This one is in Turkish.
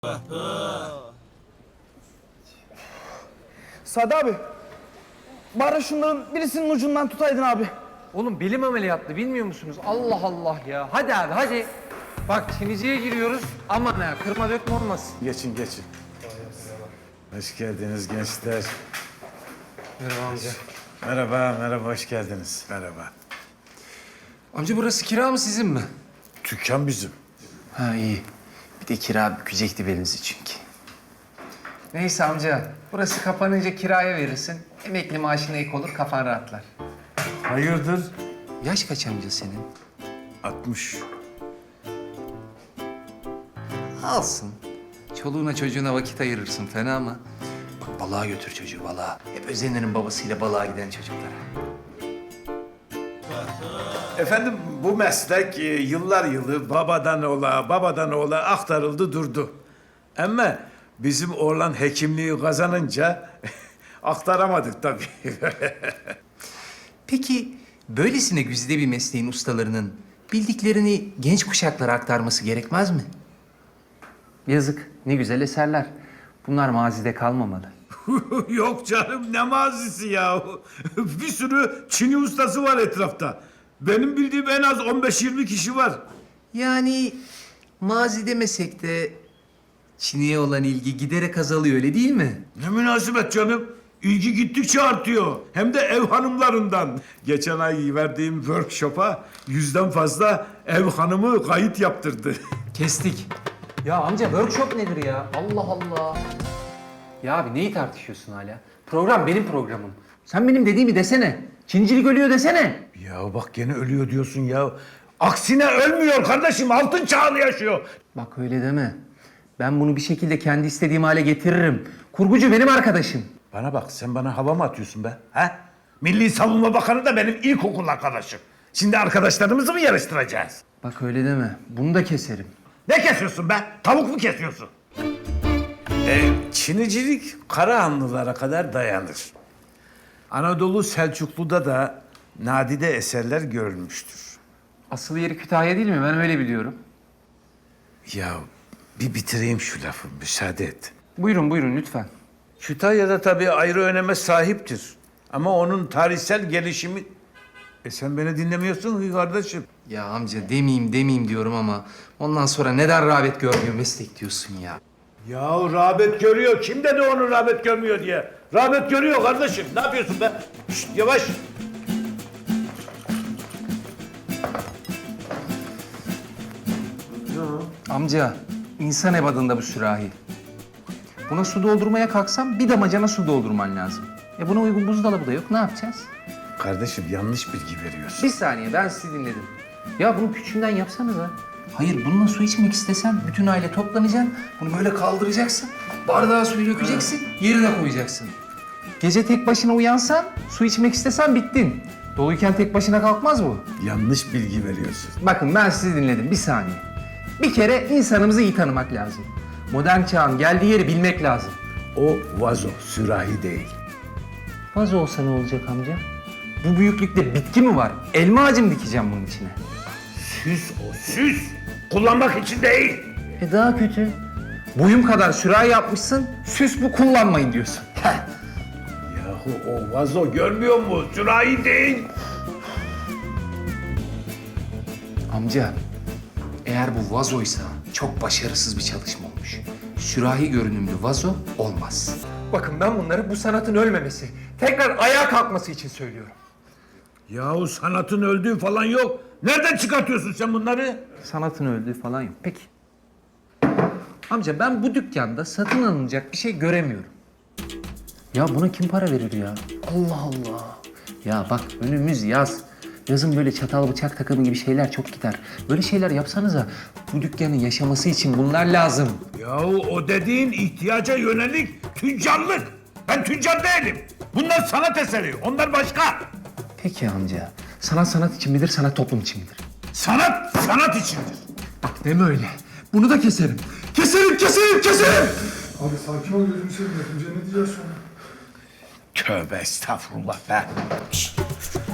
Sadi abi, bari şunların birisinin ucundan tutaydın abi. Oğlum belim ameliyatlı bilmiyor musunuz? Allah Allah ya. Hadi abi hadi. Bak Çinici'ye giriyoruz. Aman ha kırma dökme olmasın. Geçin geçin. Hoş geldiniz gençler. Merhaba amca. Merhaba, hoş geldiniz. Merhaba. Amca burası kira mı sizin mi? Dükkan bizim. Ha iyi. Bir de kira bükecekti belinizi çünkü. Neyse amca. Burası kapanınca kiraya verirsin. Emekli maaşına ek olur kafan rahatlar. Hayırdır? Yaş kaç amca senin? 60. Alsın. Çoluğuna çocuğuna vakit ayırırsın fena mı? Bak balığa götür çocuğu balığa. Hep özenirim babasıyla balığa giden çocuklara. Efendim bu meslek yıllar yılı babadan oğula aktarıldı durdu. Ama bizim oğlan hekimliği kazanınca aktaramadık tabii. Peki böylesine güzide bir mesleğin ustalarının bildiklerini genç kuşaklara aktarması gerekmez mi? Yazık. Ne güzel eserler. Bunlar mazide kalmamalı. Yok canım ne mazisi ya. Bir sürü Çini ustası var etrafta. Benim bildiğim en az 15-20 kişi var. Yani mazi demesek de Çin'e olan ilgi giderek azalıyor öyle değil mi? Ne münasebet canım. İlgi gittikçe artıyor. Hem de ev hanımlarından. Geçen ay verdiğim workshop'a 100'den fazla ev hanımı kayıt yaptırdı. Kestik. Ya amca workshop nedir ya? Allah Allah. Ya abi neyi tartışıyorsun hala? Program benim programım. Sen benim dediğimi desene. Çincilik ölüyor desene. Ya bak gene ölüyor diyorsun ya. Aksine ölmüyor kardeşim. Altın çağını yaşıyor. Bak öyle deme. Ben bunu bir şekilde kendi istediğim hale getiririm. Kurgucu benim arkadaşım. Bana bak sen bana hava mı atıyorsun be? He? Milli Savunma Bakanı da benim ilkokul arkadaşım. Şimdi arkadaşlarımızı mı yarıştıracağız? Bak öyle deme. Bunu da keserim. Ne kesiyorsun be? Tavuk mu kesiyorsun? Çinicilik Karahanlılara kadar dayanır. Anadolu Selçuklu'da da nadide eserler görülmüştür. Asıl yeri Kütahya değil mi? Ben öyle biliyorum. Ya bir bitireyim şu lafı, müsaade et. Buyurun lütfen. Kütahya'da tabii ayrı öneme sahiptir. Ama onun tarihsel gelişimi... sen beni dinlemiyorsun ki kardeşim. Ya amca demeyeyim diyorum ama ondan sonra neden rağbet görmüyor meslek diyorsun ya. Ya rağbet görüyor. Kim dedi onu rağbet görmüyor diye? Rağbet görüyor kardeşim. Ne yapıyorsun be? Şşt, yavaş. Amca insan ebadında bu sürahi. Buna su doldurmaya kalksam bir damacana su doldurman lazım. Buna uygun buzdolabı da yok ne yapacağız? Kardeşim yanlış bilgi veriyorsun. Bir saniye ben sizi dinledim. Ya bunu küçüğünden yapsanıza. Hayır bununla su içmek istesen bütün aile toplanacaksın. Bunu böyle kaldıracaksın. Bardağa suyu dökeceksin. Yerine koyacaksın. Gece tek başına uyansan, su içmek istesen bittin. Doluyken tek başına kalkmaz bu. Yanlış bilgi veriyorsun. Bakın ben sizi dinledim bir saniye. Bir kere insanımızı iyi tanımak lazım. Modern çağın geldiği yeri bilmek lazım. O vazo, sürahi değil. Vazo olsa ne olacak amca? Bu büyüklükte bitki mi var? Elma ağacı mı dikeceğim bunun içine? Süs o, süs. Kullanmak için değil. Daha kötü. Boyum kadar sürahi yapmışsın, süs bu kullanmayın diyorsun. Yahu o vazo görmüyor mu? Sürahi değil. Amca eğer bu vazoysa çok başarısız bir çalışma olmuş. Sürahi görünümlü vazo olmaz. Bakın ben bunları bu sanatın ölmemesi, tekrar ayağa kalkması için söylüyorum. Yahu sanatın öldüğü falan yok. Nereden çıkartıyorsun sen bunları? Sanatın öldüğü falan yok. Peki. Amca ben bu dükkanda satın alınacak bir şey göremiyorum. Ya buna kim para verir ya? Allah Allah. Ya bak önümüz yaz. Yazın böyle çatal bıçak takımı gibi şeyler çok gider. Böyle şeyler yapsanıza. Bu dükkanın yaşaması için bunlar lazım. Yahu o dediğin ihtiyaca yönelik tüccarlık. Ben tüccar değilim. Bunlar sanat eseri. Onlar başka. Peki amca. Sanat sanat için midir, sanat toplum için midir? Sanat sanat içindir. Bak deme öyle. Bunu da keserim. Keserim! Abi sakin ol gözünü seveyim. Yapınca ne diyeceğiz sonra? Tövbe estağfurullah be. Şşt.